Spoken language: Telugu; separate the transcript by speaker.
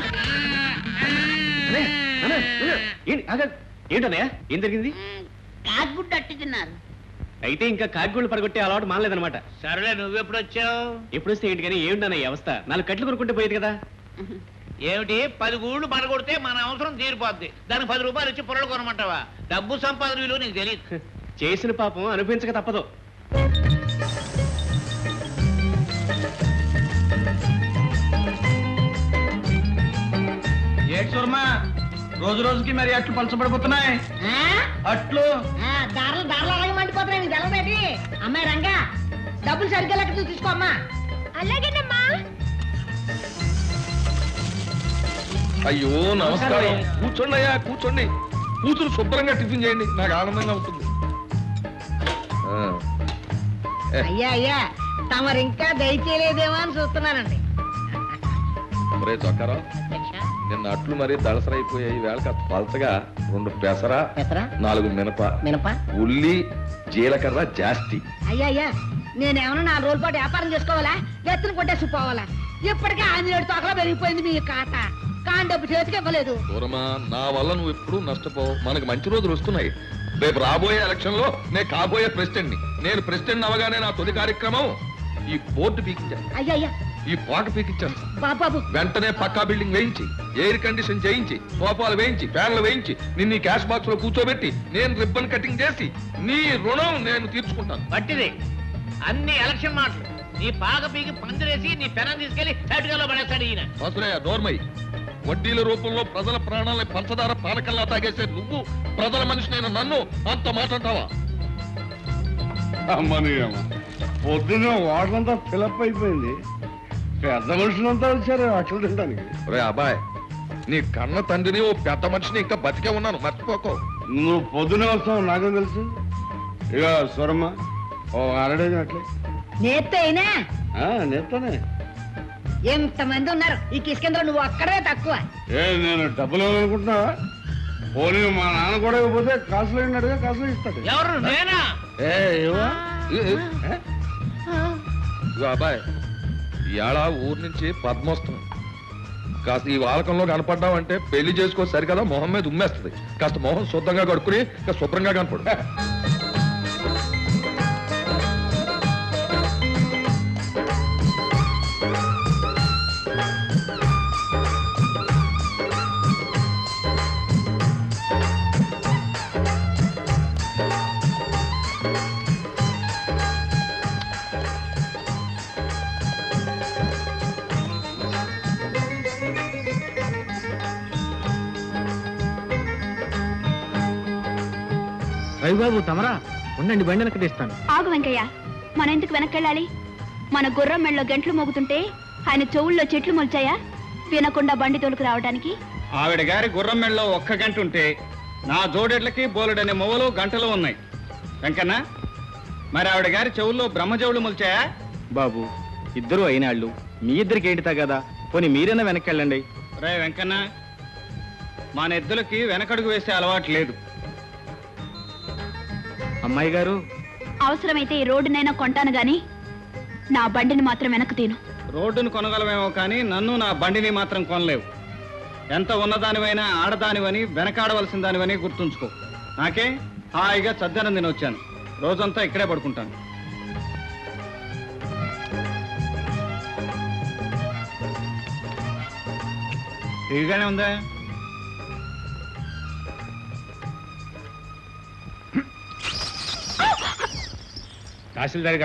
Speaker 1: ఏంటన్నయ్య ఏం జరిగింది?
Speaker 2: కాకుగుడ్డు అట్టి తిన్నారు.
Speaker 1: అయితే ఇంకా కాకిగూళ్ళు పడగొట్టే అలవాటు మానలేదనమాట.
Speaker 3: సరేలే, నువ్వెప్పుడు వచ్చావు?
Speaker 1: ఎప్పుడు వస్తే ఏంటి కానీ ఏమిటన్న ఈ అవస్థ? 4 కట్లు కొనుక్కుంటే పోయేది కదా.
Speaker 3: ఏమిటి 10 గూళ్ళు పడగొడితే మన అవసరం తీరిపోద్ది, దానికి 10 రూపాయలు ఇచ్చి పొరలు కొనమంటావా? డబ్బు సంపాదన విలువ నీకు తెలియదు.
Speaker 1: చేసిన పాపం అనుభవించక తప్పదు.
Speaker 4: రోజు రోజుకి మరి అట్లు పలచబడిపోతున్నాయి. అట్లు
Speaker 2: దారులు దారులు అలాగే మండిపోతున్నాయి. నీకు తెలవేటి? అమ్మాయి రంగా, డబ్బులు సరిగ్గా లెక్క తీసుకో అమ్మా. అలాగేనమ్మా.
Speaker 5: అయ్యో నమస్కారం. కూర్చోండి అయ్యా, కూర్చోండి. కూతురు శుభ్రంగా టిఫిన్ చేయండి, నాకు ఆనందంగా ఉంటుంది.
Speaker 2: అయ్యా అయ్యా, తమరు ఇంకా దయచేయలేదేమో అని చూస్తున్నానండి.
Speaker 5: మరే చొక్కారా, నిన్న అట్లు మరీ దళసరైపోయాయి. వేళ కాస్త పలచగా 2 పెసర, 4 మినప, ఉల్లి, జీలకర్ర జాస్తి.
Speaker 2: అయ్యా అయ్యా, నేనేమన్నా 4 రోజుల పాటు వ్యాపారం చేసుకోవాలా? ఎత్తున కొట్టేసిపోవాలా? ఇప్పటికే 5 తోకలో పెరిగిపోయింది మీ కాట. కాని డబ్బు చేతికి ఇవ్వలేదు.
Speaker 5: దూరమా, నా వల్ల నువ్వు ఎప్పుడు నష్టపోవు. మనకు మంచి రోజులు వస్తున్నాయి. రేపు రాబోయే ఎలక్షన్ లో నేను కాబోయే ప్రెసిడెంట్ ని. నేను ప్రెసిడెంట్ అవగానే నా తొలి కార్యక్రమం ఈ బోర్డు పీకించాను.
Speaker 2: అయ్యా అయ్యా,
Speaker 5: ఈ పాక పీకించాను.
Speaker 2: బాబు
Speaker 5: వెంటనే పక్కా బిల్డింగ్ వేయించి, ఎయిర్ కండిషన్ చేయించి, సోఫాలు వేయించి, ఫ్యాన్లు వేయించి, నిన్ను క్యాష్ బాక్స్ లో కూర్చోబెట్టి నేను రిబ్బన్ కటింగ్ చేసి నీ రుణం నేను తీర్చుకుంటాను.
Speaker 3: పట్టిది అన్ని ఎలక్షన్ మాటలు. నీ పాక పీకి పందిరేసి నీ పెనం తీసుకెళ్లి సైడ్గాలో పడేస్తాడు ఈయన.
Speaker 5: అసలే నోర్మై, వడ్డీల రూపంలో ప్రజల ప్రాణాలని పంచదార పానకల్లా తాగేసే నువ్వు ప్రజల మనిషినైన నన్ను అంత మాట్లాడతావా?
Speaker 6: అమ్మని అమ్మ, పొద్దున్న వాటలంతా ఫిలప్ అయిపోయింది. పెద్ద మనుషులంతా వచ్చారు అట్లు తినడానికి.
Speaker 5: రే అబ్బాయ్, నీ కన్న తండ్రిని, ఓ పెద్ద మనిషిని, ఇంకా బతికే ఉన్నాను, మర్చిపోకో.
Speaker 6: నువ్వు పొద్దునే వస్తావు నాకేం తెలుసు. ఇక స్వరమ్మ, ఓ అరడేది అట్లే
Speaker 2: నేత్తే అయినా
Speaker 6: నేస్తానే.
Speaker 2: ఎంతమంది ఉన్నారు ఈ కిష్కేంద్ర, నువ్వు అక్కడే తక్కువ.
Speaker 6: నేను డబ్బులు ఇవ్వాలనుకుంటున్నావా? పోనీ మా నాన్న కూడా ఇవ్వకపోతే కాసులు అయినట్టుగా కాసులు ఇస్తాడు.
Speaker 3: ఎవరు? నేనా?
Speaker 5: ఇగో అబ్బాయ్, ఇవాళ ఊరు నుంచి పద్మోత్సవం. కాస్త ఈ వాలకంలో కనపడ్డావంటే పెళ్లి చేసుకో సరికదా, మొహం మీద ఉమ్మేస్తుంది. కాస్త మొహం శుద్ధంగా కడుక్కుని ఇంకా శుభ్రంగా కనపడు.
Speaker 1: రవిబాబు తమరా ఉండండి, బండి వెనక్కి తీస్తాను.
Speaker 7: ఆగు వెంకయ్య, మన ఎందుకు వెనక్కెళ్ళాలి? మన గుర్రం మెళ్ళలో గంటలు మోగుతుంటే ఆయన చెవుల్లో చెట్లు మొల్చాయా వినకుండా బండి తోలుకు రావడానికి?
Speaker 4: ఆవిడ గారి గుర్రం మెళ్ళలో 1 గంట ఉంటే నా జోడెడ్లకి బోలెడనే మొవలు గంటలు ఉన్నాయి. వెంకన్న, మరి ఆవిడ గారి చెవుల్లో బ్రహ్మజవులు మొల్చాయా?
Speaker 1: బాబు, ఇద్దరు అయినాళ్ళు, మీ ఇద్దరికి ఏంటితా కదా, పోనీ మీరైనా వెనక్కెళ్ళండి.
Speaker 4: రే వెంకన్న, మా నెద్దులకి వెనకడుగు వేసే అలవాటు లేదు.
Speaker 1: అమ్మాయి గారు,
Speaker 7: అవసరమైతే ఈ రోడ్డునైనా కొంటాను గాని నా బండిని మాత్రం వెనక్కు తీను.
Speaker 4: రోడ్డును కొనగలమేమో కానీ నన్ను, నా బండిని మాత్రం కొనలేవు. ఎంత ఉన్నదానివైనా ఆడదానివని, వెనకాడవలసిన దానివని గుర్తుంచుకో. నాకే హాయిగా చద్దనం తిని వచ్చాను. రోజంతా ఇక్కడే పడుకుంటాను. ఇదిగానే ఉందా?
Speaker 1: తహసీల్దార్